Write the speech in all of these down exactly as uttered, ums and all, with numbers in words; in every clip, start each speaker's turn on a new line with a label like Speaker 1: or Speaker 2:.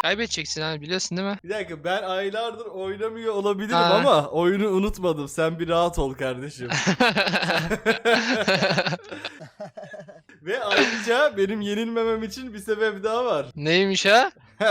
Speaker 1: Kaybedeceksin abi, biliyorsun değil mi?
Speaker 2: Bir dakika, ben aylardır oynamıyor olabilirim
Speaker 1: Ha.
Speaker 2: ama oyunu unutmadım. Sen bir rahat ol kardeşim. Ve ayrıca benim yenilmemem için bir sebep daha var.
Speaker 1: Neymiş ha?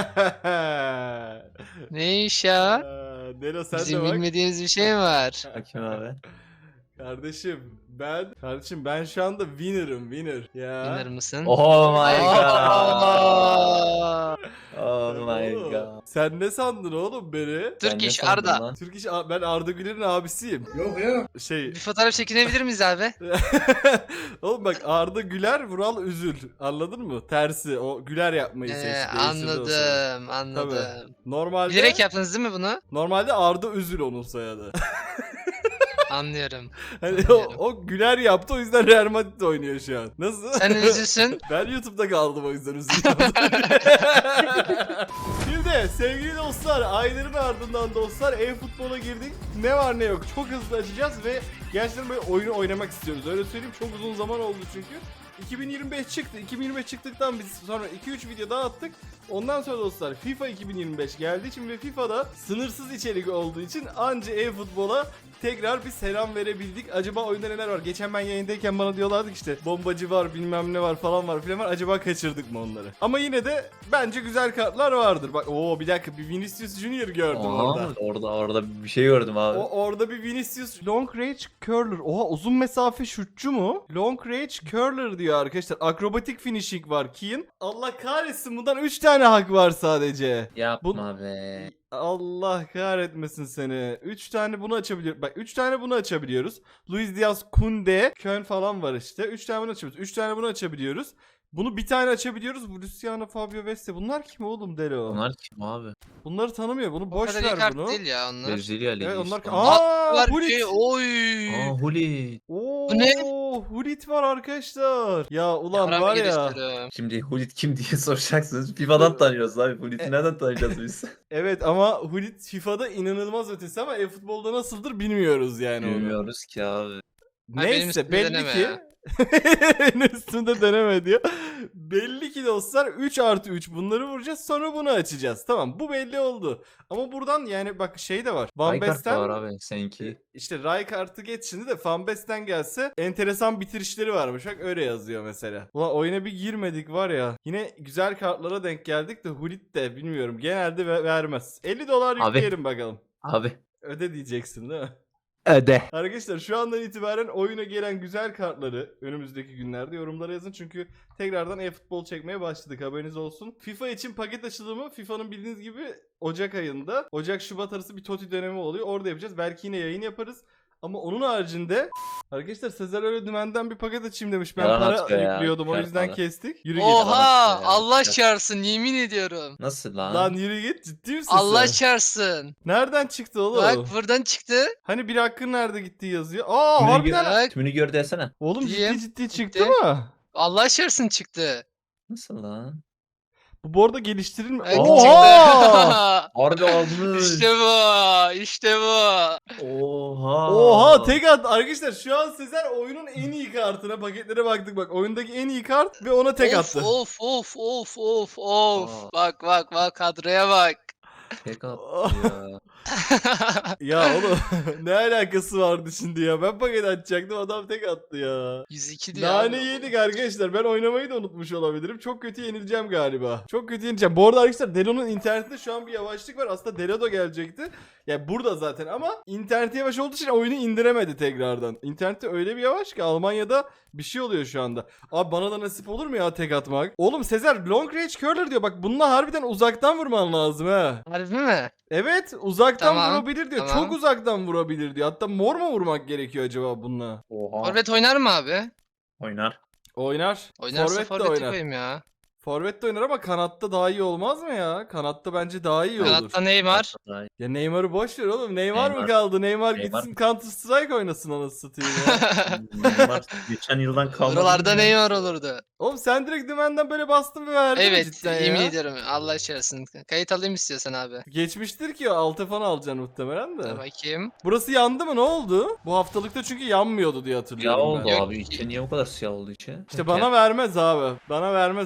Speaker 1: Neymiş ha?
Speaker 2: Aa, Delo sen de
Speaker 1: Bizim
Speaker 2: bak.
Speaker 1: bilmediğimiz bir şey mi var?
Speaker 3: Bakayım abi.
Speaker 2: Kardeşim ben kardeşim ben şu anda winner'ım winner. Ya.
Speaker 1: Winner mısın?
Speaker 3: Oh my god.
Speaker 1: Aa!
Speaker 3: Oh my
Speaker 2: Oğlum,
Speaker 3: god.
Speaker 2: Sen ne sandın oğlum beni?
Speaker 3: Sen
Speaker 1: Türk
Speaker 3: ne
Speaker 1: iş
Speaker 3: sandın
Speaker 1: Arda.
Speaker 3: lan?
Speaker 2: Türk iş ben Arda Güler'in abisiyim.
Speaker 4: Yok ya.
Speaker 2: Şey
Speaker 1: Bir fotoğraf çekinebilir miyiz abi?
Speaker 2: oğlum bak, Arda Güler, Vural Üzül. Anladın mı? Tersi. O Güler yapmayı
Speaker 1: Ee,
Speaker 2: seçti. değiştirdi o soyadı.
Speaker 1: anladım, anladım.
Speaker 2: Normalde
Speaker 1: Bilerek yaptınız değil mi bunu?
Speaker 2: normalde Arda Üzül onun soyadı.
Speaker 1: Anlıyorum.
Speaker 2: Hani o,
Speaker 1: Anlıyorum.
Speaker 2: o Güler yaptı, o yüzden Real Madrid oynuyor şu an. Nasıl?
Speaker 1: Sen üzülsün.
Speaker 2: Ben YouTube'da kaldım, o yüzden üzüldüm. Şimdi sevgili dostlar, ayların ardından dostlar e-futbola girdik. Ne var ne yok çok hızlı açacağız ve gerçekten böyle oyunu oynamak istiyoruz. Öyle söyleyeyim, çok uzun zaman oldu çünkü. iki bin yirmi beş çıktı. iki bin yirmi beş çıktıktan biz sonra iki üç video daha attık. Ondan sonra dostlar FIFA iki bin yirmi beş geldiği için ve FIFA'da sınırsız içerik olduğu için anca e-futbola tekrar bir selam verebildik. Acaba oyunda neler var? Geçen ben yayındayken bana diyorlardı ki işte bombacı var, bilmem ne var falan var filan var. Acaba kaçırdık mı onları? Ama yine de bence güzel kartlar vardır. Bak oo, bir dakika, bir Vinicius Junior gördüm
Speaker 3: Oha,
Speaker 2: orada.
Speaker 3: orada orada bir şey gördüm abi.
Speaker 2: O orada bir Vinicius Long Range Curler. Oha, uzun mesafe şutçu mu? Long Range Curler diyor arkadaşlar. Akrobatik finishing var Ki'in. Allah kahretsin, bundan üç tane hak var sadece.
Speaker 3: Yapma be.
Speaker 2: Allah kahretmesin seni. üç tane bunu açabiliyoruz. Bak üç tane bunu açabiliyoruz. Luis Diaz, Kunde, Kön falan var işte. üç tane bunu açabiliyoruz. üç tane bunu açabiliyoruz. Bunu bir tane açabiliyoruz. Bu Luciano, Fabio Veste. Bunlar kim oğlum Delo?
Speaker 3: Bunlar kim abi?
Speaker 2: Bunları tanımıyor. Bunu
Speaker 1: O
Speaker 2: boş
Speaker 1: kadar iyi
Speaker 2: ver
Speaker 1: kart
Speaker 2: bunu.
Speaker 1: değil ya onlar.
Speaker 3: Brezilya Ligi
Speaker 2: Evet onlar...
Speaker 3: işte.
Speaker 2: Aa,
Speaker 1: Var
Speaker 2: Hulit.
Speaker 1: ki, oy.
Speaker 3: Aa Huli.
Speaker 2: Oo,
Speaker 1: Bu ne?
Speaker 2: Hulit var arkadaşlar. Ya ulan
Speaker 1: Yavrum
Speaker 2: var ya.
Speaker 1: geliştiriyorum.
Speaker 3: Şimdi Hulit kim diye soracaksınız. FIFA'dan tanıyoruz abi. Hulit'i nereden tanıyacağız biz?
Speaker 2: Evet ama Hulit FIFA'da inanılmaz ötesi ama e-futbolda nasıldır bilmiyoruz yani onu.
Speaker 3: Bilmiyoruz ki abi.
Speaker 1: Ha, benim
Speaker 2: Neyse
Speaker 1: üstümde
Speaker 2: belli
Speaker 1: deneme
Speaker 2: ki.
Speaker 1: ya.
Speaker 2: Benim üstümde deneme diyor. Belli ki dostlar üç artı üç bunları vuracağız, sonra bunu açacağız. Tamam, bu belli oldu. Ama buradan yani bak şey de var. Van
Speaker 3: Rijkaard da
Speaker 2: Basten
Speaker 3: var abi seninki.
Speaker 2: işte Rijkaard'ı geç şimdi de Van Basten gelse enteresan bitirişleri varmış. Bak öyle yazıyor mesela. Ulan oyuna bir girmedik var ya. Yine güzel kartlara denk geldik de Hulit de bilmiyorum. Genelde ve- vermez. elli dolar
Speaker 3: Abi.
Speaker 2: yükleyelim bakalım.
Speaker 3: Abi.
Speaker 2: Öde diyeceksin değil mi?
Speaker 3: Öde.
Speaker 2: Arkadaşlar şu andan itibaren oyuna gelen güzel kartları önümüzdeki günlerde yorumlara yazın. Çünkü tekrardan e-futbol çekmeye başladık, haberiniz olsun. FIFA için paket açılımı FIFA'nın bildiğiniz gibi Ocak ayında. Ocak-Şubat arası bir TOTI dönemi oluyor. Orada yapacağız. Belki yine yayın yaparız. Ama onun haricinde arkadaşlar Sezer öyle dümenden bir paket açayım demiş. Ben
Speaker 3: Yalan
Speaker 2: para
Speaker 3: atıyor ya.
Speaker 2: yüklüyordum, o
Speaker 3: Kar
Speaker 2: yüzden
Speaker 3: para.
Speaker 2: kestik. Yürü git.
Speaker 1: Oha,
Speaker 3: ya.
Speaker 1: Allah çağırsın, yemin ediyorum.
Speaker 3: Nasıl lan?
Speaker 2: Lan yürü git, ciddi misin
Speaker 1: Allah
Speaker 2: sen?
Speaker 1: çağırsın.
Speaker 2: Nereden çıktı oğlum?
Speaker 1: Bak buradan çıktı.
Speaker 2: Hani bir hakkın nerede gitti yazıyor. Aa
Speaker 3: Tümünü
Speaker 2: harbiden.
Speaker 3: gör, tümünü gör desene.
Speaker 2: Oğlum
Speaker 1: Diyeyim.
Speaker 2: ciddi ciddi çıktı
Speaker 1: Gitti.
Speaker 2: mı?
Speaker 1: Allah çağırsın çıktı.
Speaker 3: Nasıl lan?
Speaker 2: Bu bu arada geliştirilme.
Speaker 1: Evet,
Speaker 2: Oha!
Speaker 1: çıktı.
Speaker 3: Harbi almış.
Speaker 1: İşte bu. İşte bu.
Speaker 3: Oha.
Speaker 2: Oha tek at arkadaşlar, şu an Sezer oyunun en iyi kartına, paketlere baktık bak, oyundaki en iyi kart ve ona tek
Speaker 1: of,
Speaker 2: attı.
Speaker 1: Of of of of of.
Speaker 3: Aa.
Speaker 1: Bak bak bak, kadroya bak.
Speaker 3: Tek attı ya.
Speaker 2: Ya oğlum ne alakası vardı şimdi ya, ben paket açacaktım, adam tek attı ya.
Speaker 1: yüz iki diyor.
Speaker 2: Nane
Speaker 1: abi.
Speaker 2: yedik arkadaşlar, ben oynamayı da unutmuş olabilirim, çok kötü yenileceğim galiba. Çok kötü yenileceğim. Bu arada arkadaşlar Delo'nun internetinde şu an bir yavaşlık var, aslında Delo da gelecekti. Ya burada zaten ama interneti yavaş olduğu için oyunu indiremedi tekrardan. İnternette öyle bir yavaş ki Almanya'da bir şey oluyor şu anda. Abi bana da nasip olur mu ya tek atmak? Oğlum Sezer Long Range Curler diyor, bak bununla harbiden uzaktan vurman lazım ha.
Speaker 1: Harbi mi?
Speaker 2: Evet uzaktan
Speaker 1: Tamam,
Speaker 2: vurabilir diyor.
Speaker 1: tamam.
Speaker 2: Çok uzaktan vurabilir diyor. Hatta mor mu vurmak gerekiyor acaba bununla?
Speaker 3: Oha.
Speaker 1: Forvet oynar mı abi?
Speaker 3: Oynar.
Speaker 2: Oynar.
Speaker 1: Oynarsa
Speaker 2: Forvet de
Speaker 1: forveti
Speaker 2: oynar.
Speaker 1: koyayım ya.
Speaker 2: Forvet de oynar ama kanatta daha iyi olmaz mı ya? Kanatta bence daha iyi olur.
Speaker 1: Kanatta Neymar.
Speaker 2: Ya Neymar'ı boş ver oğlum. Neymar, mı
Speaker 3: Neymar.
Speaker 2: kaldı? Neymar,
Speaker 3: Neymar.
Speaker 2: gitsin Counter Strike oynasın anasını satayım ya.
Speaker 3: Neymar geçen yıldan kalmadı.
Speaker 1: Oralarda Neymar olurdu.
Speaker 2: Oğlum sen direkt dümenden böyle bastın ve verdin mi
Speaker 1: Evet,
Speaker 2: cidden
Speaker 1: yemin
Speaker 2: ya?
Speaker 1: ediyorum. Allah çağırsın. Kayıt alayım istiyorsan abi.
Speaker 2: Geçmiştir ki o altı falan alacaksın muhtemelen de.
Speaker 1: Dur bakayım.
Speaker 2: Burası yandı mı, ne oldu? Bu haftalıkta çünkü yanmıyordu diye
Speaker 3: Ya
Speaker 2: hatırlıyorum
Speaker 3: oldu
Speaker 2: ben.
Speaker 1: Yok
Speaker 3: abi.
Speaker 1: ki.
Speaker 3: İçe niye bu kadar siyah oldu içe?
Speaker 2: İşte bana vermez abi. Bana vermez arkadaşlar.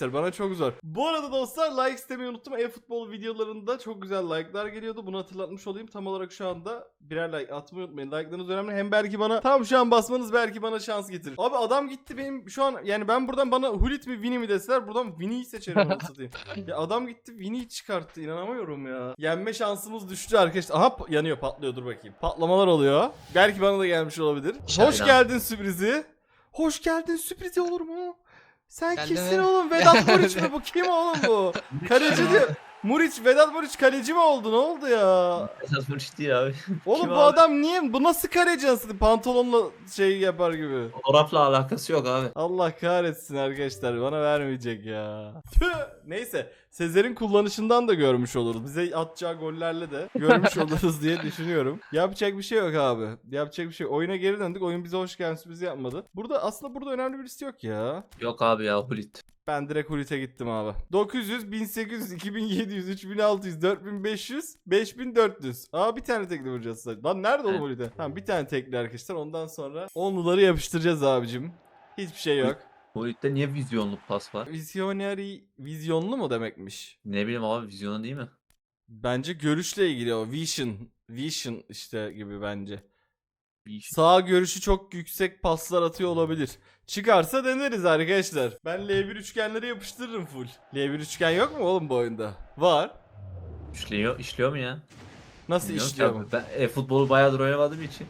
Speaker 2: arkadaşlar. Bana çok zor. Bu arada dostlar like istemeyi unuttum. E-futbol videolarında çok güzel like'lar geliyordu. Bunu hatırlatmış olayım. Tam olarak şu anda birer like atmayı unutmayın. Like'larınız önemli. Hem belki bana tam şu an basmanız belki bana şans getirir. Abi adam gitti benim şu an yani ben buradan bana Hulit mi Vini mi deseler buradan Vini'yi seçerim onu satayım. Ya adam gitti Vini'yi çıkarttı. İnanamıyorum ya. Yenme şansımız düştü arkadaşlar. Aha yanıyor patlıyor dur bakayım. Patlamalar oluyor. Belki bana da gelmiş olabilir. Hoş
Speaker 1: Aynen.
Speaker 2: geldin sürprizi. Hoş geldin sürprizi olur mu? Sen
Speaker 1: Geldi
Speaker 2: kimsin
Speaker 1: mi?
Speaker 2: oğlum? Vedat Muriç mi? Bu kim oğlum bu? Kaleci diyor. Muriç, Vedat Muriç kaleci mi oldu? Ne oldu ya?
Speaker 3: Esas Muriç değil abi.
Speaker 2: Oğlum
Speaker 3: Kim
Speaker 2: bu
Speaker 3: abi?
Speaker 2: adam niye? Bu nasıl kaleci aslında? Pantolonla şey yapar gibi.
Speaker 3: Fotoğrafla alakası yok abi.
Speaker 2: Allah kahretsin arkadaşlar. Bana vermeyecek ya. Tüh. Neyse. Sezer'in kullanışından da görmüş oluruz. Bize atacağı gollerle de görmüş oluruz diye düşünüyorum. Yapacak bir şey yok abi. Yapacak bir şey yok. Oyuna geri döndük. Oyun bize hoş geldin sürprizi yapmadı. Burada aslında burada önemli birisi yok ya.
Speaker 3: Yok abi ya Hulit.
Speaker 2: Ben direkt Hulit'e gittim abi. dokuz yüz, bin sekiz yüz, iki bin yedi yüz, üç bin altı yüz, dört bin beş yüz, beş bin dört yüz. Aa bir tane tekli vuracağız sadece. Lan nerede oğlum
Speaker 3: Evet.
Speaker 2: Hulit'e? Tamam bir tane tekli arkadaşlar. Ondan sonra onluları yapıştıracağız abicim. Hiçbir şey yok.
Speaker 3: Hulit'te niye vizyonlu pas var?
Speaker 2: Visionary, vizyonlu mu demekmiş?
Speaker 3: Ne bileyim abi vizyonu değil mi?
Speaker 2: Bence görüşle ilgili o. Vision. Vision işte gibi bence.
Speaker 3: Bir iş.
Speaker 2: Sağ görüşü çok yüksek paslar atıyor olabilir. Çıkarsa deneriz arkadaşlar. Ben L bir üçgenleri yapıştırırım full. L bir üçgen yok mu oğlum bu oyunda? Var.
Speaker 3: İşliyor, işliyor mu ya?
Speaker 2: Nasıl
Speaker 3: Bilmiyorum ki
Speaker 2: işliyor
Speaker 3: abi.
Speaker 2: mu?
Speaker 3: Ben e-futbolu bayağıdır oynamadığım için.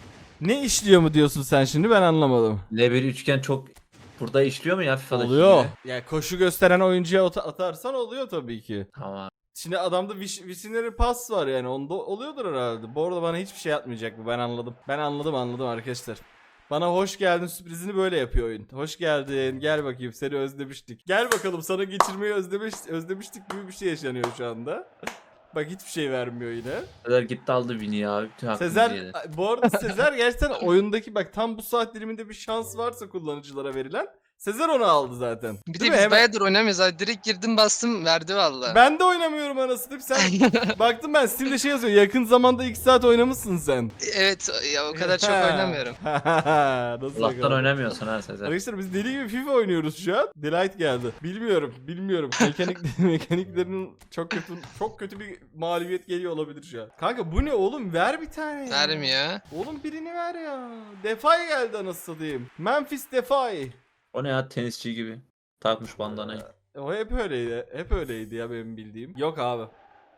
Speaker 2: Ne işliyor mu diyorsun sen şimdi ben anlamadım.
Speaker 3: L bir üçgen çok burada işliyor mu ya FIFA'daki
Speaker 2: Oluyor.
Speaker 3: gibi?
Speaker 2: Yani koşu gösteren oyuncuya ata- atarsan oluyor tabii ki.
Speaker 3: Tamam.
Speaker 2: Şimdi adamda viş, visionary pas var yani onda oluyordur herhalde. Bu arada bana hiçbir şey atmayacak bu ben anladım. Ben anladım anladım arkadaşlar. Bana hoş geldin sürprizini böyle yapıyor oyun. Hoş geldin gel bakayım seni özlemiştik. Gel bakalım sana geçirmeyi özlemiş, özlemiştik gibi bir şey yaşanıyor şu anda. Bak hiçbir şey vermiyor yine.
Speaker 3: Sezer gitti aldı Vini abi. Bütün hakkımızı
Speaker 2: Sezer
Speaker 3: yedi.
Speaker 2: bu arada Sezer gerçekten oyundaki bak tam bu saat diliminde bir şans varsa kullanıcılara verilen Sezer onu aldı zaten.
Speaker 1: Bir de
Speaker 2: Değil
Speaker 1: biz
Speaker 2: mi? Hemen-
Speaker 1: bayağıdır oynamıyoruz abi. Direkt girdim bastım verdi valla.
Speaker 2: Ben de oynamıyorum anasını. Sen baktım ben Steam'de şey yazıyor. Yakın zamanda iki saat oynamışsın sen.
Speaker 1: Evet ya o kadar çok oynamıyorum.
Speaker 2: Nasıl
Speaker 3: Allah'tan
Speaker 2: bakalım?
Speaker 3: oynamıyorsun ha Sezer.
Speaker 2: Arkadaşlar biz deli gibi FIFA oynuyoruz şu an. Delight geldi. Bilmiyorum, bilmiyorum. Mekanik mekaniklerin çok kötü çok kötü bir mağlubiyet geliyor olabilir şu an. Kanka bu ne oğlum? Ver bir tane. ya.
Speaker 1: Vermiyor.
Speaker 2: Oğlum birini ver ya. Defay geldi anasını satayım. Memphis Defay.
Speaker 3: O ne ya tenisçi gibi. Takmış bandanayı.
Speaker 2: O hep öyleydi. Hep öyleydi ya benim bildiğim. Yok abi.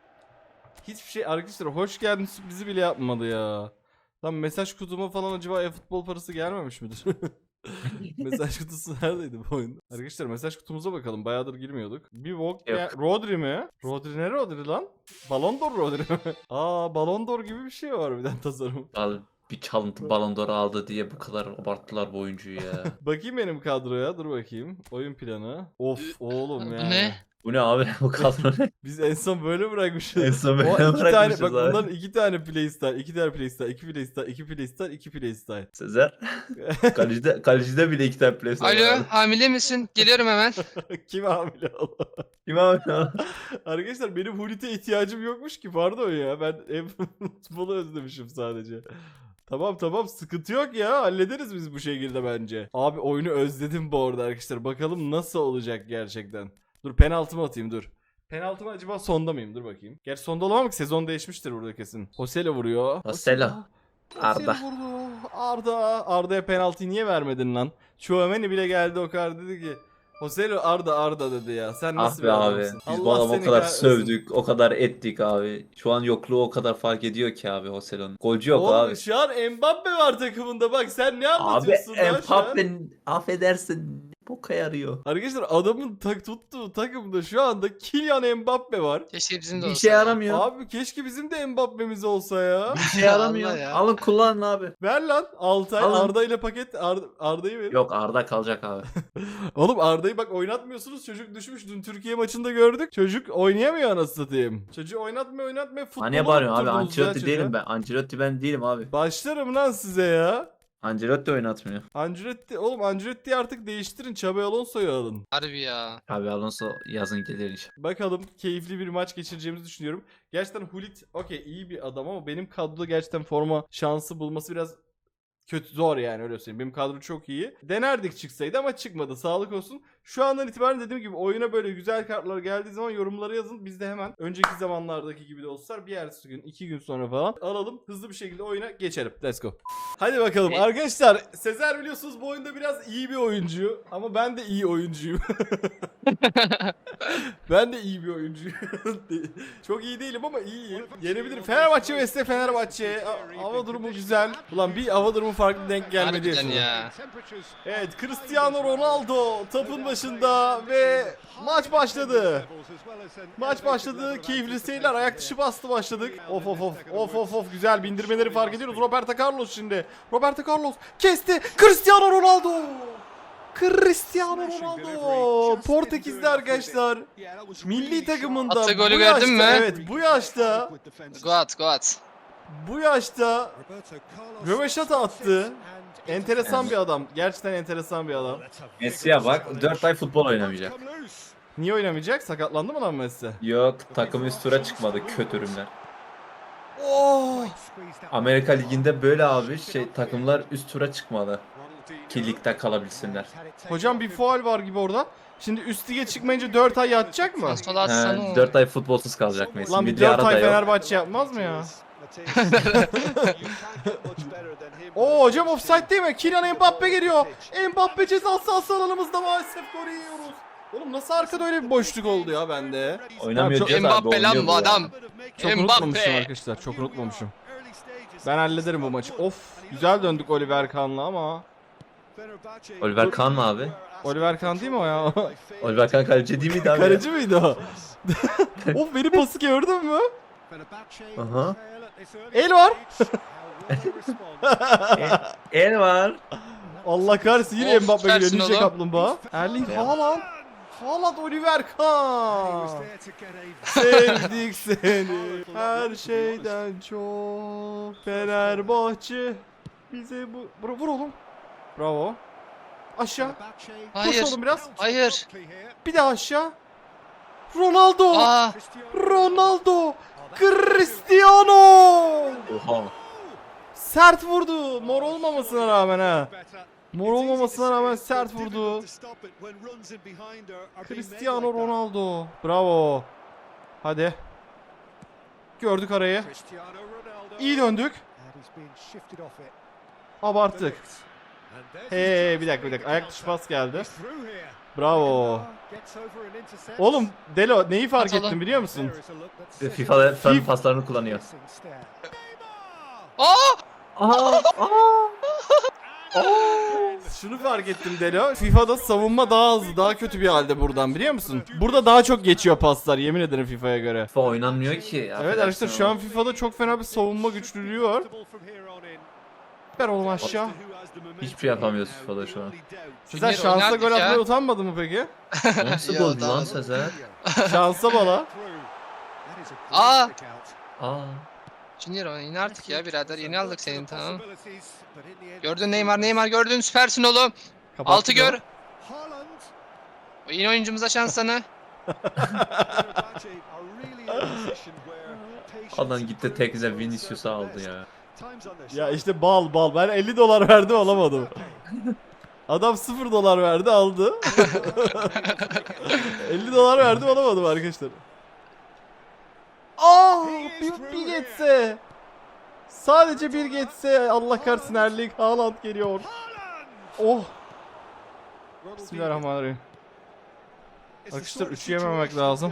Speaker 2: Hiçbir şey arkadaşlar hoş geldin sürprizi bile yapmadı ya. Lan mesaj kutuma falan acaba e-futbol parası gelmemiş midir? Mesaj kutusu neredeydi bu oyunda? Arkadaşlar mesaj kutumuza bakalım. Bayağıdır girmiyorduk. Bir walk
Speaker 3: Yok.
Speaker 2: ya- Rodri mi? Rodri ne Rodri lan? Ballon d'Or Rodri mi? Aa Ballon d'Or gibi bir şey var bir tane tasarım.
Speaker 3: Al bir çalıntı Ballon d'Or aldı diye bu kadar abarttılar bu oyuncuyu ya.
Speaker 2: Bakayım benim kadroya. Dur bakayım. Oyun planı. Of oğlum
Speaker 1: Bu
Speaker 2: ya.
Speaker 1: ne?
Speaker 3: Bu ne abi bu kadro ne?
Speaker 2: Biz en son böyle bırakmışız.
Speaker 3: En son böyle
Speaker 2: O iki tane
Speaker 3: bırakmışız
Speaker 2: bak
Speaker 3: abi.
Speaker 2: bunların iki tane playstyle, iki tane playstyle, iki playstyle, iki playstyle, iki playstyle.
Speaker 3: Sezer. Kalecide, kalecide bile iki tane play
Speaker 1: Alo hamile misin? Geliyorum hemen.
Speaker 2: Kim hamile Allah.
Speaker 3: Kim abi ya?
Speaker 2: Arkadaşlar benim Hulit'e ihtiyacım yokmuş ki pardon ya. Ben ev futbolu özlemişim sadece. Tamam tamam sıkıntı yok ya hallederiz biz bu şekilde bence. Abi oyunu özledim bu arada arkadaşlar. Bakalım nasıl olacak gerçekten. Dur penaltımı atayım dur. Penaltımı acaba sonda mıyım? Dur bakayım. Gerçi sonda olamam ki sezon değişmiştir burada kesin. Hosele vuruyor.
Speaker 3: Hoselo. Arda.
Speaker 2: Hosele vurdu. Arda. Arda'ya penaltıyı niye vermedin lan? Chouameni bile geldi o kadar dedi ki. Hoselo Arda Arda dedi ya. Sen
Speaker 3: Ah
Speaker 2: nasıl
Speaker 3: be
Speaker 2: bir
Speaker 3: abi.
Speaker 2: adamsın?
Speaker 3: Biz bu
Speaker 2: Allah
Speaker 3: adamı o
Speaker 2: seni
Speaker 3: kadar
Speaker 2: kahretsin.
Speaker 3: sövdük, o kadar ettik abi. Şu an yokluğu o kadar fark ediyor ki abi Hoselo'nun. Golcü yok
Speaker 2: Oğlum
Speaker 3: abi.
Speaker 2: şu an Mbappe var takımında bak sen ne
Speaker 3: Abi
Speaker 2: anlatıyorsun lan şu an?
Speaker 3: Mbappe'nin affedersin boka yarıyor.
Speaker 2: Arkadaşlar adamın tak tuttuğu takımda şu anda Kylian Mbappe var.
Speaker 1: Keşke bizim de
Speaker 3: Bir
Speaker 1: olsa.
Speaker 3: şey
Speaker 1: ya.
Speaker 3: yaramıyor.
Speaker 2: Abi keşke bizim de Mbappe'miz olsa ya.
Speaker 3: Bir şey yaramıyor.
Speaker 1: Allah ya.
Speaker 3: Alın kullanın abi.
Speaker 2: Ver lan Altay
Speaker 3: Alın.
Speaker 2: Arda ile paket Ar- Arda'yı ver.
Speaker 3: Yok Arda kalacak abi.
Speaker 2: Oğlum Arda'yı bak oynatmıyorsunuz çocuk düşmüş dün Türkiye maçında gördük. Çocuk oynayamıyor anasını satayım. Çocuğu oynatma oynatma futbolu
Speaker 3: Hani bağırıyorsun abi
Speaker 2: unutturdunuz ya
Speaker 3: Ancelotti
Speaker 2: çocuğa.
Speaker 3: değilim ben. Ancelotti ben değilim abi.
Speaker 2: Başlarım lan size ya.
Speaker 3: Ancelotti oynatmıyor.
Speaker 2: Ancelotti oğlum Ancelotti'yi artık değiştirin Xabi Alonso'yu alın.
Speaker 1: Harbi ya.
Speaker 3: Abi Alonso yazın gelir inşallah.
Speaker 2: Bakalım keyifli bir maç geçireceğimizi düşünüyorum. Gerçekten Hulit okey iyi bir adam ama benim kadroda gerçekten forma şansı bulması biraz kötü zor yani öyle söyleyeyim. Benim kadro çok iyi. Denerdik çıksaydı ama çıkmadı. Sağlık olsun. Şu andan itibaren dediğim gibi oyuna böyle güzel kartlar geldiği zaman yorumlara yazın. Biz de hemen önceki zamanlardaki gibi dostlar bir ertesi gün iki gün sonra falan alalım. Hızlı bir şekilde oyuna geçelim. Let's go. Hadi bakalım
Speaker 1: Evet.
Speaker 2: arkadaşlar. Sezer biliyorsunuz bu oyunda biraz iyi bir oyuncu. Ama ben de iyi oyuncuyum. Ben de iyi bir oyuncuyum. Çok iyi değilim ama iyiyim. Yenebilirim. Fenerbahçe vs Fenerbahçe. A- Hava durumu güzel. Ulan bir hava durumu farklı denk gelmedi.
Speaker 1: Harbiden ya.
Speaker 2: Evet, Cristiano Ronaldo topun başında ve maç başladı. Maç başladı. Keyifli seyirler. Ayak dışı bastı başladık. Of of of. Of of of. Güzel bindirmeleri fark ediyoruz. Roberto Carlos şimdi. Roberto Carlos kesti. Cristiano Ronaldo. Cristiano Ronaldo. Portekizli arkadaşlar. Milli takımında
Speaker 1: Attı golü
Speaker 2: bu
Speaker 1: gördün
Speaker 2: yaşta,
Speaker 1: mü?
Speaker 2: evet bu yaşta
Speaker 1: Go at, go at.
Speaker 2: bu yaşta röveşata attı. Enteresan bir adam. Gerçekten enteresan bir adam.
Speaker 3: Messi'ye bak dört ay futbol oynamayacak.
Speaker 2: Niye oynamayacak? Sakatlandı mı lan Messi?
Speaker 3: Yok takım üst tura çıkmadı kötürümler.
Speaker 2: Oh!
Speaker 3: Amerika Ligi'nde böyle abi şey takımlar üst tura çıkmadı. Ki ligde kalabilsinler.
Speaker 2: Hocam bir faul var gibi orada. Şimdi üst lige çıkmayınca dört ay yatacak mı?
Speaker 1: Sola atsana.
Speaker 3: He, dört ay futbolsuz kalacak Messi.
Speaker 2: Lan bir
Speaker 3: Milli
Speaker 2: dört
Speaker 3: ara da
Speaker 2: ay
Speaker 3: yok.
Speaker 2: Fenerbahçe yapmaz mı ya? Oo hocam offside değil mi? Kylian Mbappe geliyor. Mbappe ceza sahası alanımızda maalesef golü yiyoruz. Oğlum nasıl arkada öyle bir boşluk oldu ya bende?
Speaker 3: Oynamıyor
Speaker 2: Çok-
Speaker 3: diyoruz abi,
Speaker 1: Mbappe lan
Speaker 3: oynuyor
Speaker 1: bu
Speaker 3: ya.
Speaker 1: adam.
Speaker 2: Çok unutmamışım
Speaker 1: Mbappe.
Speaker 2: arkadaşlar. Çok unutmamışım. Ben hallederim bu maçı. Of güzel döndük Oliver Kahn'la ama.
Speaker 3: Oliver Kahn mı abi?
Speaker 2: Oliver Kahn değil mi o ya?
Speaker 3: Oliver Kahn kaleci değil miydi abi?
Speaker 2: Kaleci miydi o? Of benim pası gördün mü?
Speaker 3: Aha.
Speaker 2: El var.
Speaker 3: El var.
Speaker 2: Allah kahretsin yine
Speaker 1: Of,
Speaker 2: Mbappe geliyor.
Speaker 1: süpersin
Speaker 2: Ninja
Speaker 1: oğlum.
Speaker 2: Kaplumbağa. Erling Haaland. Haaland Oliver Kahn. Sevdik seni. Her şeyden çok. Fenerbahçe. Bize bu... Vur, vur oğlum. Bravo. Aşağı. Koş
Speaker 1: Hayır.
Speaker 2: oğlum biraz.
Speaker 1: Hayır.
Speaker 2: Bir daha aşağı. Ronaldo.
Speaker 1: Aa,
Speaker 2: Ronaldo. Cristiano.
Speaker 3: Oha.
Speaker 2: Sert vurdu. Mor olmamasına rağmen ha. Mor olmamasına rağmen sert vurdu. Cristiano Ronaldo. Bravo. Hadi. Gördük arayı. İyi döndük. Abarttık. Hey bir dakika bir dakika. Ayak dışı pas geldi. Bravo. Oğlum Delo neyi fark
Speaker 1: Atalım.
Speaker 2: ettin biliyor musun?
Speaker 3: FIFA'da fen
Speaker 2: FIFA-
Speaker 3: paslarını kullanıyor.
Speaker 1: aa,
Speaker 3: Aa, aa.
Speaker 2: Şunu fark ettim Delo. FIFA'da savunma daha hızlı, daha kötü bir halde buradan biliyor musun? Burada daha çok geçiyor paslar yemin ederim FIFA'ya göre.
Speaker 3: FIFA oynanmıyor ki.
Speaker 2: Evet
Speaker 3: affedersin
Speaker 2: arkadaşlar şu
Speaker 3: ama.
Speaker 2: an FIFA'da çok fena bir savunma güçlülüğü var. Ver oğlum aşağı.
Speaker 3: Hiçbir şey yapamıyoruz FIFA'da şu an.
Speaker 2: Sezer
Speaker 1: Junior
Speaker 2: şansa
Speaker 1: oynardık
Speaker 2: gol
Speaker 1: ya.
Speaker 2: atmaya utanmadı mı peki?
Speaker 3: Nasıl
Speaker 1: Ya,
Speaker 3: goldü
Speaker 1: daha-
Speaker 3: lan Sezer?
Speaker 2: Şansa bala.
Speaker 1: Aa.
Speaker 3: Aa.
Speaker 1: Junior oyna artık ya birader. Yeni aldık senin tamam. Gördün Neymar, Neymar gördün. Süpersin oğlum.
Speaker 2: Kapattı
Speaker 1: Altı
Speaker 2: da.
Speaker 1: gör. O yeni oyuncumuza şans sana.
Speaker 3: Adam gitti tek bize Vinicius'u aldı ya.
Speaker 2: Ya işte bal bal. Ben elli dolar verdim alamadım. Adam sıfır dolar verdi aldı. elli dolar verdim alamadım arkadaşlar. Aa, bir, bir geçse. Sadece bir geçse Allah kahretsin Erling Haaland geliyor. Oh. Bismillahirrahmanirrahim. Arkadaşlar üçü yememek lazım.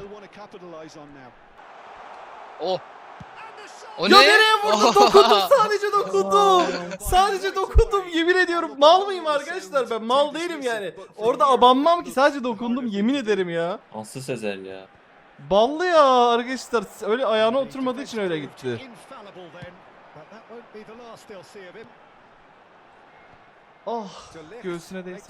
Speaker 1: Oh. O
Speaker 2: Ya
Speaker 1: ne?
Speaker 2: nereye vurdum?
Speaker 1: Oh.
Speaker 2: Dokundum sadece dokundum. Sadece dokundum yemin ediyorum. Mal mıyım arkadaşlar ben? Mal değilim yani. Orada abanmam ki sadece dokundum yemin ederim ya.
Speaker 3: Aslı Sezer ya.
Speaker 2: Ballı ya arkadaşlar. Öyle ayağına oturmadığı için öyle gitti. Oh göğsüne değse.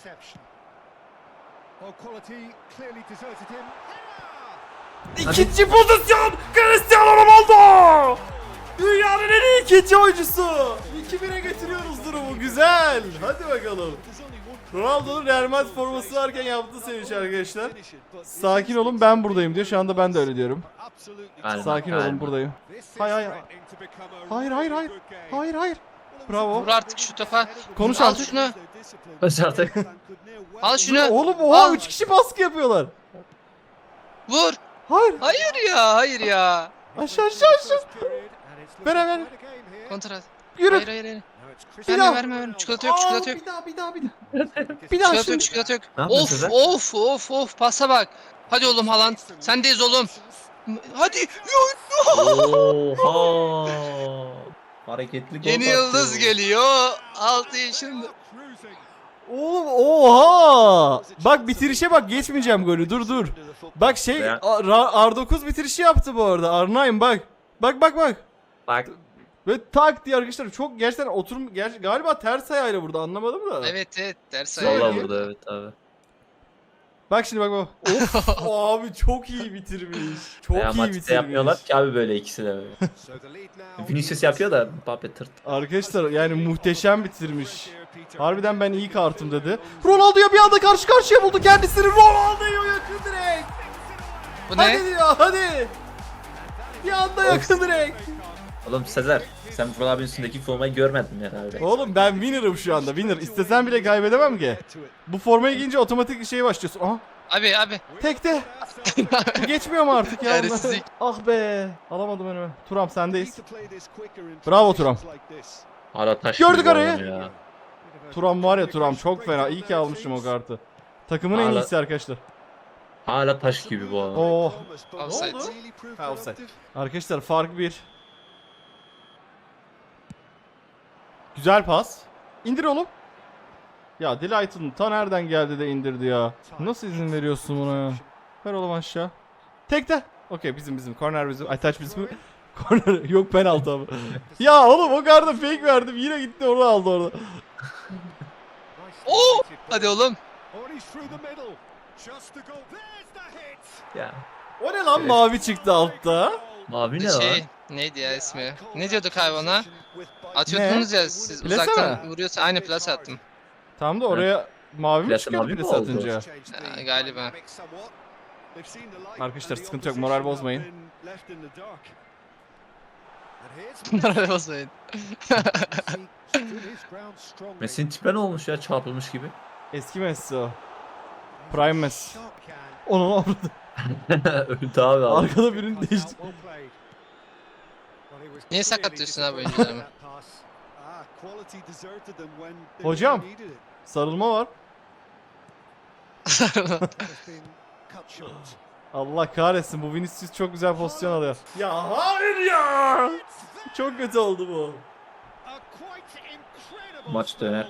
Speaker 2: İkinci pozisyon Cristiano Ronaldo. Dünyanın en iyi ikinci oyuncusu. iki bire getiriyoruz durumu. Güzel. Hadi bakalım. Ronaldo'nun Real Madrid forması varken yaptığı sevinç arkadaşlar. Sakin olun ben buradayım diyor. Şu anda ben de öyle diyorum.
Speaker 3: Aynen,
Speaker 2: Sakin
Speaker 3: aynen.
Speaker 2: olun buradayım. Hayır hayır. Hayır hayır hayır. Hayır hayır. Bravo.
Speaker 1: Vur artık şu topa.
Speaker 2: Konuş
Speaker 1: Al
Speaker 2: artık.
Speaker 1: şunu.
Speaker 3: Başardık.
Speaker 1: Al şunu.
Speaker 2: Oğlum oha
Speaker 1: Al.
Speaker 2: üç kişi baskı yapıyorlar.
Speaker 1: Vur.
Speaker 2: Hayır.
Speaker 1: Hayır ya, hayır ya.
Speaker 2: Aşağı aşağı aşağı. Ver ver.
Speaker 1: Kontrat.
Speaker 2: Yürü.
Speaker 1: Hayır hayır hayır.
Speaker 2: Bir
Speaker 1: Verme
Speaker 2: daha.
Speaker 1: verme verme. Çikolata yok,
Speaker 2: Aa,
Speaker 1: çikolata yok.
Speaker 2: Bir daha bir daha bir daha. Bir daha
Speaker 1: Çikolata
Speaker 2: şimdi.
Speaker 1: yok, çikolata yok.
Speaker 3: Ne yapıyorsun
Speaker 1: Of
Speaker 3: Sezer?
Speaker 1: of of of pasa bak. Hadi oğlum Haaland. Sendeyiz oğlum. Hadi.
Speaker 3: Oha. Hareketli gol
Speaker 1: Yeni
Speaker 3: attı.
Speaker 1: yıldız geliyor. altı yaşında.
Speaker 2: Oğlum oha. Bak bitirişe bak, geçmeyeceğim golü, dur dur. Bak şey
Speaker 3: Ya.
Speaker 2: R dokuz bitirişi yaptı bu arada. R dokuz bak. Bak bak bak.
Speaker 3: Bak.
Speaker 2: Ve tak diye arkadaşlar, çok gerçekten oturum ger- galiba ters ayağıyla burada, anlamadım da.
Speaker 1: Evet evet ders
Speaker 2: Vallahi
Speaker 1: ayarı.
Speaker 3: Sola vurdu evet abi.
Speaker 2: Bak şimdi bak bak. Of abi çok iyi bitirmiş. Çok
Speaker 3: Veya
Speaker 2: iyi
Speaker 3: maçta
Speaker 2: bitirmiş.
Speaker 3: yapmıyorlar ki abi böyle ikisi de böyle. Vinicius yapıyor da Mbappe tırt.
Speaker 2: Arkadaşlar yani muhteşem bitirmiş. Harbiden ben iyi kartım dedi. Ronaldo'ya bir anda karşı karşıya buldu kendisini. Ronaldo'ya yakın direkt.
Speaker 1: Bu
Speaker 2: Hadi
Speaker 1: ne?
Speaker 2: diyor hadi. Bir anda yakın direkt.
Speaker 3: Oğlum Sezer sen Vural abinin üstündeki formayı görmedin mi herhalde?
Speaker 2: Oğlum ben winner'ım şu anda, winner. İstesem bile kaybedemem ki. Bu formayı giyince otomatik şeye başlıyorsun. Aha.
Speaker 1: Abi abi.
Speaker 2: Tekte. Bu geçmiyor mu artık ya?
Speaker 1: Çaresizlik.
Speaker 2: Ah be. Alamadım önüme. Turam sendeyiz. Bravo Turam.
Speaker 3: Hala taş
Speaker 2: Gördük
Speaker 3: gibi bu
Speaker 2: arayı.
Speaker 3: adam ya.
Speaker 2: Turam var ya, Turam çok fena. İyi ki almışım o kartı. Takımın en
Speaker 3: Hala-
Speaker 2: iyisi arkadaşlar.
Speaker 3: Hala taş gibi bu adam.
Speaker 2: Oh.
Speaker 1: Offside.
Speaker 2: oldu? Ha, offside. Arkadaşlar fark bir. Güzel pas. İndir oğlum. Ya Delight'ın ta nereden geldi de indirdi ya. Nasıl izin veriyorsun buna ya? Ver oğlum aşağı. Tekte. Okey bizim bizim. Corner bizim. Ay taç bizim. Corner yok, penaltı abi. Ya oğlum o karda fake verdim. Yine gitti onu aldı orada.
Speaker 1: Oo! Hadi oğlum.
Speaker 3: Ya.
Speaker 2: O ne lan,
Speaker 3: Evet.
Speaker 2: mavi çıktı altta.
Speaker 3: Mavi ne
Speaker 1: Şey
Speaker 3: lan?
Speaker 1: neydi ya ismi? Ne diyorduk abi ona? Atıyordunuz ya siz
Speaker 2: Plase
Speaker 1: uzaktan
Speaker 2: mi?
Speaker 1: vuruyorsa aynı plase attım.
Speaker 2: Tam da oraya mavi mi
Speaker 3: Plase
Speaker 2: çıkıyor
Speaker 3: mavi mi
Speaker 2: plase
Speaker 3: oldu?
Speaker 2: atınca?
Speaker 1: Ha, galiba.
Speaker 2: Arkadaşlar sıkıntı yok, moral bozmayın.
Speaker 1: Bunlara basmayın.
Speaker 3: Messi'nin tipe ne olmuş ya, çarpılmış gibi.
Speaker 2: Eski Messi o. Prime Messi. Onun orada.
Speaker 3: Öldü abi abi.
Speaker 2: Arkada birini değişti.
Speaker 1: Niye sakatlıyorsun abi oyuncularımı?
Speaker 2: Hocam. Sarılma var. Allah kahretsin, bu Vinicius çok güzel pozisyon alıyor. Ya hayır ya. Çok kötü oldu bu.
Speaker 3: Maç döner.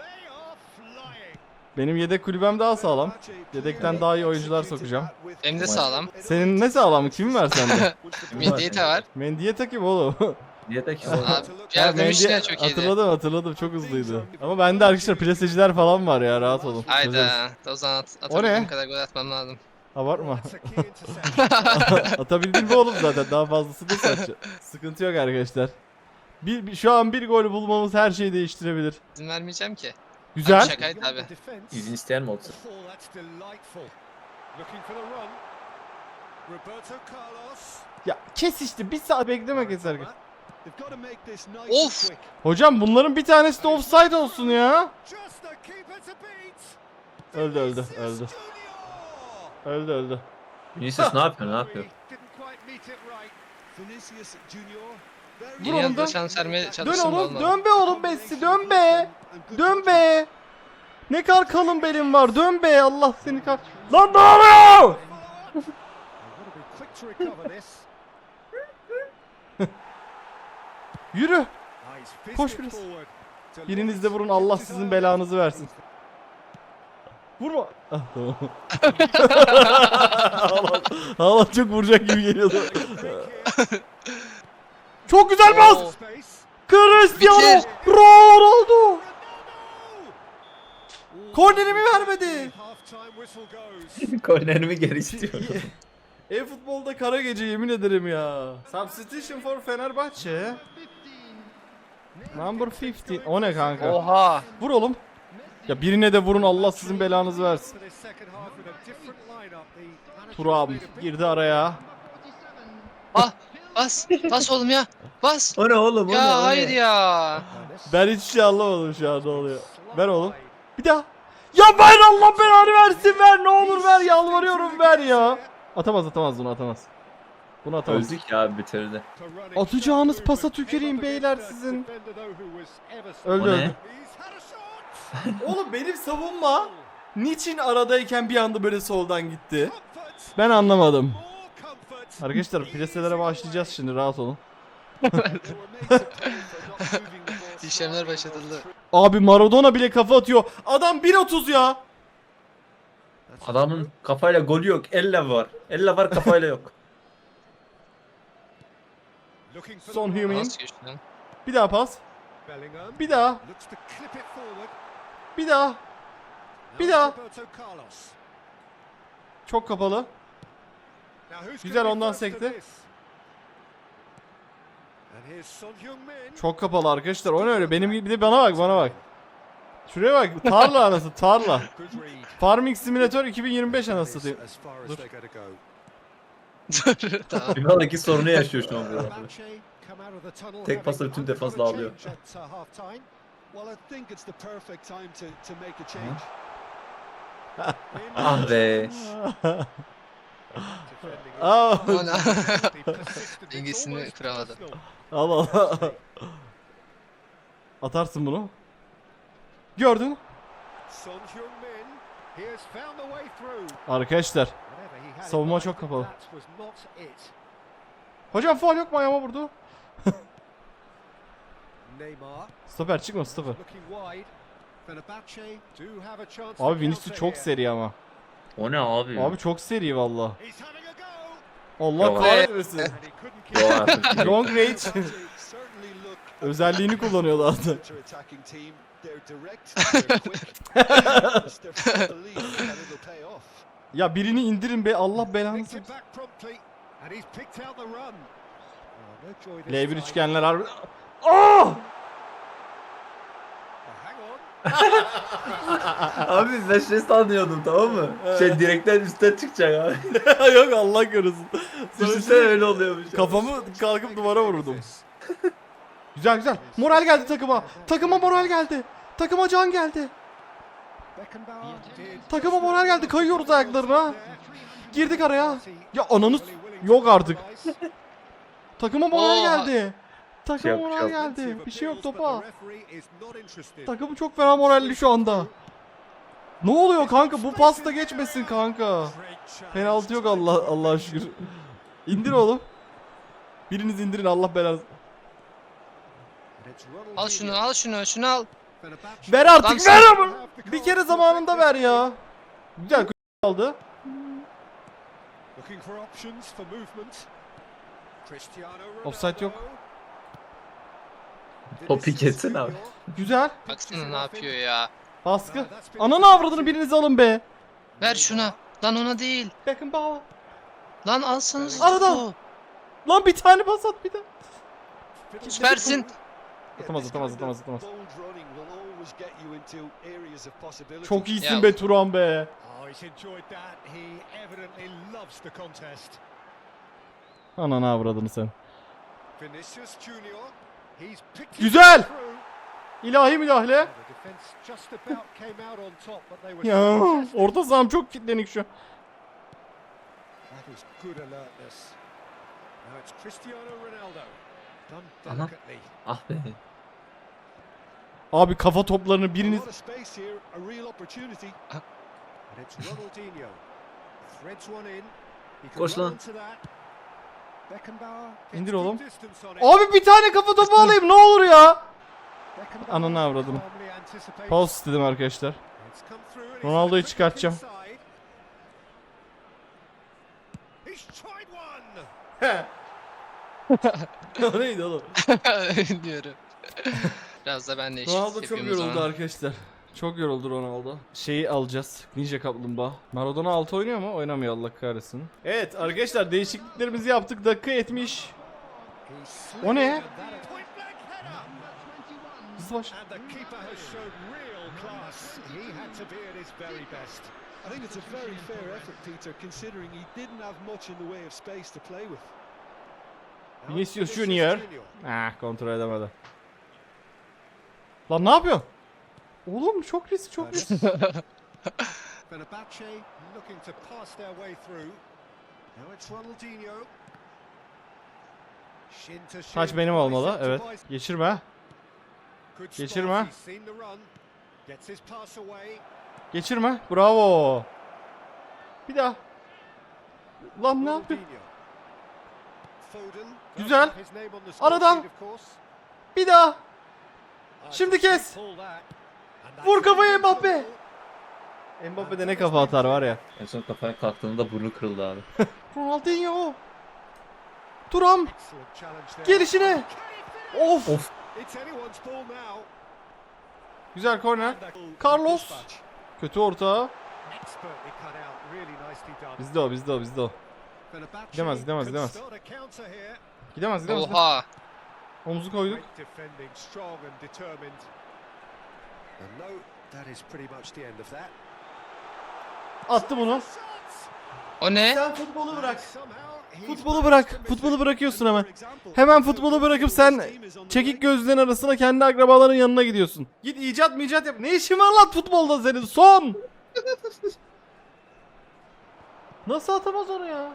Speaker 2: Benim yedek kulübem daha sağlam. Yedekten daha iyi oyuncular sokacağım.
Speaker 1: Hem de sağlam.
Speaker 2: Senin ne sağlam? Kim var sende?
Speaker 1: Midyete var.
Speaker 2: Mendy'ye takayım oğlum.
Speaker 3: Niye de ki
Speaker 1: Abi
Speaker 2: Ha,
Speaker 1: yardım
Speaker 2: Mendy-
Speaker 1: işine çok iyiydi.
Speaker 2: Hatırladım hatırladım, çok hızlıydı. Ama bende arkadaşlar plaseciler falan var ya, rahat olun. Çözeriz.
Speaker 1: Hayda. O zaman at,
Speaker 2: O
Speaker 1: atabildiğim
Speaker 2: ne?
Speaker 1: kadar gol atmam lazım.
Speaker 2: Abartma. Atabildin mi oğlum zaten, daha fazlası da saçma. Sıkıntı yok arkadaşlar. Bir, bir- şu an bir gol bulmamız her şeyi değiştirebilir.
Speaker 1: İzin vermeyeceğim ki.
Speaker 2: Güzel.
Speaker 1: Abi şakaydı abi.
Speaker 3: İzin isteyen mi oldu?
Speaker 2: Ya kes işte, bir saat bekleme keser.
Speaker 1: Of!
Speaker 2: Hocam bunların bir tanesi de offside olsun ya. Öldü öldü öldü. Öldü öldü.
Speaker 3: Vinicius ne yapıyor ne yapıyor?
Speaker 2: Vur
Speaker 1: Yeni
Speaker 2: oğlum,
Speaker 1: yılda
Speaker 2: dön.
Speaker 1: şans vermeye
Speaker 2: Dön
Speaker 1: çalıştım da
Speaker 2: oğlum,
Speaker 1: olmadı.
Speaker 2: dön be oğlum Messi, dön be. Dön be. Ne kadar kalın belim var, dön be, Allah seni kah... Lan ne oluyor? Yürü. Koş biraz. Biriniz de vurun, Allah sizin belanızı versin. Vurma. Ah, tamam. Allah, Allah çok vuracak gibi geliyordu. Çok güzel pas.
Speaker 1: Oo.
Speaker 2: Cristiano
Speaker 1: Bitir.
Speaker 2: Ronaldo. Kornerimi vermedi.
Speaker 3: Kornerimi geri istiyorum.
Speaker 2: E-futbolda kara gece, yemin ederim ya. Substitution for Fenerbahçe. Number on beş. O ne kanka?
Speaker 1: Oha.
Speaker 2: Vur oğlum. Ya birine de vurun, Allah sizin belanızı versin. Turam girdi araya.
Speaker 1: Ah. Bas. Bas oğlum ya. Bas.
Speaker 3: O ne oğlum o ne o
Speaker 1: Ya
Speaker 3: ne?
Speaker 1: hayır ya.
Speaker 2: Ben hiçbir şey anlamadım şu an ne oluyor. Ver oğlum. Bir daha. Ya ver, Allah belanı versin, ver ne olur ver, yalvarıyorum ver ya. Atamaz atamaz bunu atamaz. Bunu atamaz.
Speaker 3: Öldük ya bitirdi.
Speaker 2: Atacağınız pasa tüküreyim beyler sizin. Öldü
Speaker 3: O ne?
Speaker 2: öldü. Oğlum benim savunma niçin aradayken bir anda böyle soldan gitti? Ben anlamadım. Arkadaşlar preselere başlayacağız şimdi, rahat olun.
Speaker 1: İşlemler başlatıldı.
Speaker 2: Abi Maradona bile kafa atıyor. Adam bir otuz ya.
Speaker 3: Adamın kafayla golü yok. Elle var. Elle var, kafayla yok.
Speaker 2: Son Heung-min.
Speaker 1: Nasıl geçti lan?
Speaker 2: Bir daha pas. Bir daha. Bir daha. Bir daha. Çok kapalı. Güzel, ondan sekti. Çok kapalı arkadaşlar. O ne öyle? Benim gibi, bir de bana bak, bana bak. Şuraya bak. Tarla anası, tarla. Farming Simulator iki bin yirmi beş anası satayım. Dur.
Speaker 1: Dur, tamam.
Speaker 3: Finaldeki sorunu yaşıyor şu an burada. Tek pasla bütün defansla alıyor. Ah be.
Speaker 2: Aa,
Speaker 1: Ona dengesini kıramadı.
Speaker 2: al al. Atarsın bunu. Gördün. Arkadaşlar. Savunma çok kapalı. Hocam faul yok mu, ayağıma vurdu. Stoper çıkma, stoper. Abi Vinicius çok seri ama.
Speaker 3: O ne abi?
Speaker 2: Abi çok seri valla. Allah
Speaker 3: Yok.
Speaker 2: kahretmesin.
Speaker 3: Yok artık.
Speaker 2: Long range özelliğini kullanıyor zaten. Ya birini indirin be, Allah belanı. L bir üçgenler harbi. Aa!
Speaker 3: Abi ben şey sanıyordum, tamam mı? Şey direkten üstten çıkacak abi.
Speaker 2: Yok Allah korusun.
Speaker 3: Düşünsene öyle oluyormuş.
Speaker 2: Kafamı kalkıp duvara vurdum. Güzel güzel. Moral geldi takıma. Takıma moral geldi. Takıma can geldi. Takıma moral geldi. Kayıyoruz ayaklarına. Girdik araya. Ya ananız yok artık. Takıma moral
Speaker 1: Oha.
Speaker 2: geldi. Takıma
Speaker 3: Yok,
Speaker 2: moral
Speaker 3: yok.
Speaker 2: geldi. Bir şey yok topa. Takım çok fena moralli şu anda. Ne oluyor kanka? Bu pasta geçmesin kanka. Penaltı yok, Allah Allah'a şükür. İndir oğlum. Biriniz indirin, Allah belanı.
Speaker 1: Al şunu, al şunu, şunu al.
Speaker 2: Ver artık,
Speaker 1: Lan
Speaker 2: ver
Speaker 1: sen-
Speaker 2: ama. Bir kere zamanında ver ya. Güzel aldı. Offside yok.
Speaker 3: Topu kesin abi.
Speaker 2: Güzel.
Speaker 1: Baksana ne yapıyor ya.
Speaker 2: Baskı. Ananı avradını biriniz alın be.
Speaker 1: Ver şuna. Lan ona değil.
Speaker 2: Beckenbauer.
Speaker 1: Lan alsanız.
Speaker 2: Arada. Lan bir tane pas at bir de.
Speaker 1: Süpersin.
Speaker 2: Atamaz atamaz atamaz atamaz. Çok iyisin
Speaker 1: Ya.
Speaker 2: be Turan be. Ananı avradını sen. Güzel. İlahi müdahale. Ya orta saham çok kilitlenik şu.
Speaker 3: Aha. Ah be.
Speaker 2: Abi kafa toplarını biriniz...
Speaker 3: Koş lan.
Speaker 2: İndir oğlum. Abi bir tane kafa topu alayım ne olur ya. Ananı avradını. Pause istedim arkadaşlar. Ronaldo'yu çıkartacağım. O neydi oğlum?
Speaker 1: Diyorum. Biraz da ben de eşit
Speaker 2: Ronaldo çok
Speaker 1: yapıyorum o
Speaker 2: yoruldu
Speaker 1: zaman.
Speaker 2: arkadaşlar. Çok yoruldu Ronaldo. Şeyi alacağız. Ninja Kaplumbağa. Maradona altı oynuyor mu? Oynamıyor, Allah kahretsin. Evet arkadaşlar, değişikliklerimizi yaptık. Dakika yetmiş. O ne? Hızlı baş.
Speaker 4: I think it's a very fair effort, Peter, considering he didn't have much in the way of space to play with.
Speaker 2: Vinicius Junior. Ah, kontrol edemedi. Lan ne yapıyorsun? Oğlum çok risk çok risk.
Speaker 4: Fenerbahçe looking to pass their way through. Now it's Ronaldinho. Shin to shin.
Speaker 2: Taç benim olmalı.
Speaker 4: Bicep to
Speaker 2: Evet.
Speaker 4: bicep.
Speaker 2: Geçirme.
Speaker 4: Good spot,
Speaker 2: Geçirme.
Speaker 4: he's seen the run. Gets his pass away.
Speaker 2: Geçirme. Bravo. Bir daha. Lan ne yapıyor?
Speaker 4: Ronaldinho. Foden.
Speaker 2: Güzel.
Speaker 4: His name on the score
Speaker 2: Aradan.
Speaker 4: sheet, of course.
Speaker 2: Bir daha.
Speaker 4: Ah,
Speaker 2: Şimdi kes.
Speaker 4: pull that. And that's
Speaker 2: Vur kafayı
Speaker 4: it.
Speaker 2: Mbappe. Mbappe de ne kafa atar var ya.
Speaker 3: En son kafaya kalktığında burnu kırıldı abi.
Speaker 2: Ronaldinho. Turam.
Speaker 4: Excellent challenge there.
Speaker 2: Gelişine. Of.
Speaker 3: Of.
Speaker 4: It's anyone's ball now.
Speaker 2: Güzel korner.
Speaker 4: And that-
Speaker 2: Carlos.
Speaker 4: dispatch.
Speaker 2: Kötü orta.
Speaker 4: Expertly cut out. Really nicely done.
Speaker 2: Bizde o bizde o bizde o.
Speaker 4: Fenerbahçe
Speaker 2: Gidemez, gidemez,
Speaker 4: could
Speaker 2: gidemez.
Speaker 4: start a counter here.
Speaker 2: Gidemez gidemez.
Speaker 1: Oha.
Speaker 2: Omuzu koyduk.
Speaker 4: Great defending, strong and determined. And no, that is pretty much the end of that.
Speaker 2: Attı bunu.
Speaker 1: O ne?
Speaker 2: Sen futbolu bırak.
Speaker 4: Somehow he's
Speaker 2: Futbolu
Speaker 4: managed
Speaker 2: bırak.
Speaker 4: to miss
Speaker 2: Futbolu
Speaker 4: it.
Speaker 2: bırakıyorsun hemen.
Speaker 4: Another example.
Speaker 2: Hemen futbolu bırakıp sen çekik gözlüğün arasına kendi akrabaların yanına gidiyorsun. Git icat mı icat yap. Ne işin var lan futbolda senin? Son. Nasıl atamaz onu ya?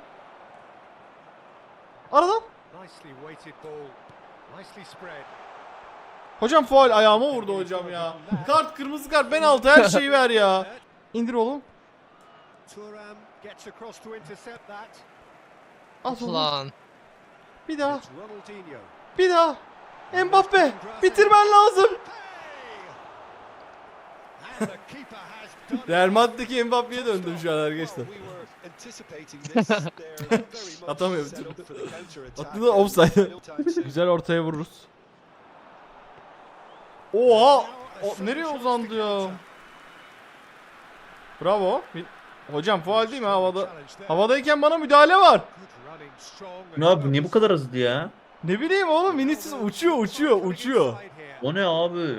Speaker 2: Aradan.
Speaker 4: Nicely weighted ball. Nicely spread.
Speaker 2: Hocam faul ayağıma vurdu hocam ya. Kart, kırmızı kart, penaltı, her şeyi ver ya. İndir oğlum.
Speaker 4: Thuram gets across to intercept that.
Speaker 2: At oğlum.
Speaker 1: Lan.
Speaker 2: Bir daha.
Speaker 4: It's Ronaldinho.
Speaker 2: Bir daha. Mbappe. Bitirmen lazım.
Speaker 4: And the keeper has done it.
Speaker 2: Real Madrid'deki Mbappe'ye döndüm şu an arkadaşlar.
Speaker 4: We were anticipating this. They're very much
Speaker 2: Atamıyorum.
Speaker 4: set up for the counter-attack.
Speaker 2: Attı da offside. Güzel ortaya vururuz. Oha! O, nereye uzandı ya? Bravo. Bir- Hocam faul değil mi havada? Havadayken bana müdahale var.
Speaker 3: Ne abi niye bu kadar hızlı ya?
Speaker 2: Ne bileyim oğlum, Vinicius uçuyor uçuyor uçuyor.
Speaker 3: O ne abi?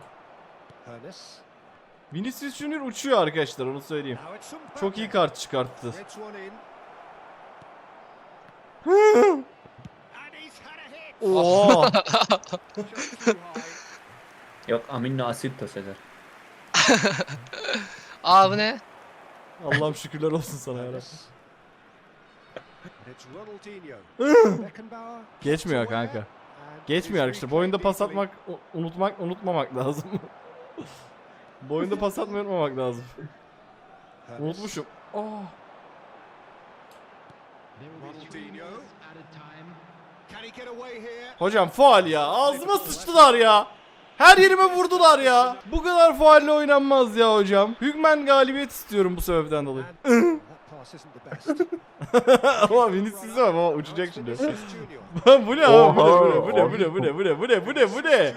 Speaker 2: Vinicius Junior uçuyor arkadaşlar, onu söyleyeyim. Çok iyi kart çıkarttı. Oo.
Speaker 3: Yok amino asit taşıdır.
Speaker 1: Aa bu ne?
Speaker 2: Allah'ım şükürler olsun sana ya. Geçmiyor kanka. Geçmiyor arkadaşlar. Bu oyunda pas atmak, u- unutmak, unutmamak lazım. Bu oyunda pas atmayı unutmamak lazım. Unutmuşum. Oh. Hocam faul ya. Ağzıma sıçtılar ya. Her yerime vurdular ya. Bu kadar faulle oynanmaz ya hocam. Hükmen galibiyet istiyorum bu sebepten dolayı. Ama Vinicius'a bak, baba uçacak şimdi. Bu ne abi? Bu ne? Bu ne? Bu ne? Bu ne? Bu ne? Bu ne? Bu ne? Bu ne?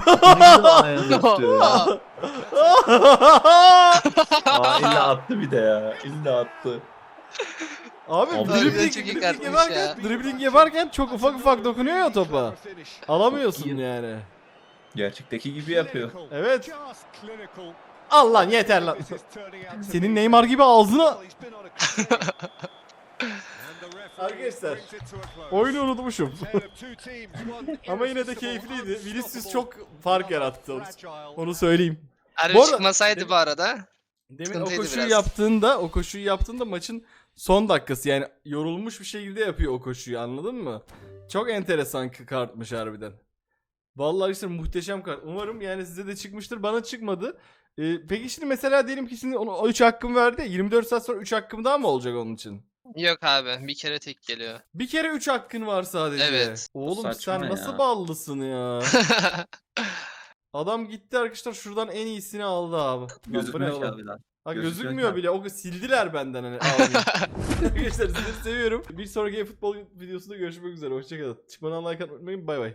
Speaker 3: Aa illa attı bir de ya. İlla attı.
Speaker 2: Abi
Speaker 3: Abi,
Speaker 2: dribbling,
Speaker 1: çok iyi
Speaker 2: dribbling
Speaker 1: kartmış
Speaker 2: yaparken,
Speaker 1: ya.
Speaker 2: dribbling yaparken çok ufak ufak dokunuyor ya topa. Alamıyorsun yani.
Speaker 3: Gerçekteki gibi yapıyor.
Speaker 2: Evet. Al lan yeter lan. Senin Neymar gibi ağzına. Arkadaşlar, oyunu unutmuşum. Ama yine de keyifliydi. Vinicius çok fark yarattı, onu, onu söyleyeyim.
Speaker 1: Harbi
Speaker 2: Bu arada-
Speaker 1: çıkmasaydı bu arada.
Speaker 2: Demin o
Speaker 1: Sıkıntıydı
Speaker 2: koşuyu
Speaker 1: biraz.
Speaker 2: yaptığında, o koşuyu yaptığında maçın son dakikası, yani yorulmuş bir şekilde yapıyor o koşuyu, anladın mı? Çok enteresan k- kartmış harbiden. Vallahi işte muhteşem kart. Umarım yani size de çıkmıştır. Bana çıkmadı. Ee, peki şimdi mesela diyelim ki şimdi ona üç hakkım verdi ya, yirmi dört saat sonra üç hakkım daha mı olacak onun için?
Speaker 1: Yok abi bir kere tek geliyor.
Speaker 2: Bir kere üç hakkın var sadece.
Speaker 1: Evet.
Speaker 2: Oğlum
Speaker 3: Saçma
Speaker 2: sen
Speaker 3: ya.
Speaker 2: nasıl ballısın ya? Adam gitti arkadaşlar, şuradan en iyisini aldı abi. Lan bu ne
Speaker 3: Gözükmüyor
Speaker 2: oğlum?
Speaker 3: ki abi lan.
Speaker 2: Ha,
Speaker 3: Gözükmüyor
Speaker 2: gözükmüyor
Speaker 3: ki.
Speaker 2: bile. O sildiler benden hani. Almayı. Arkadaşlar sizi seviyorum. Bir sonraki futbol videosunda görüşmek üzere. Hoşçakalın. Çıkmadan like atmayı unutmayın. Bay bay.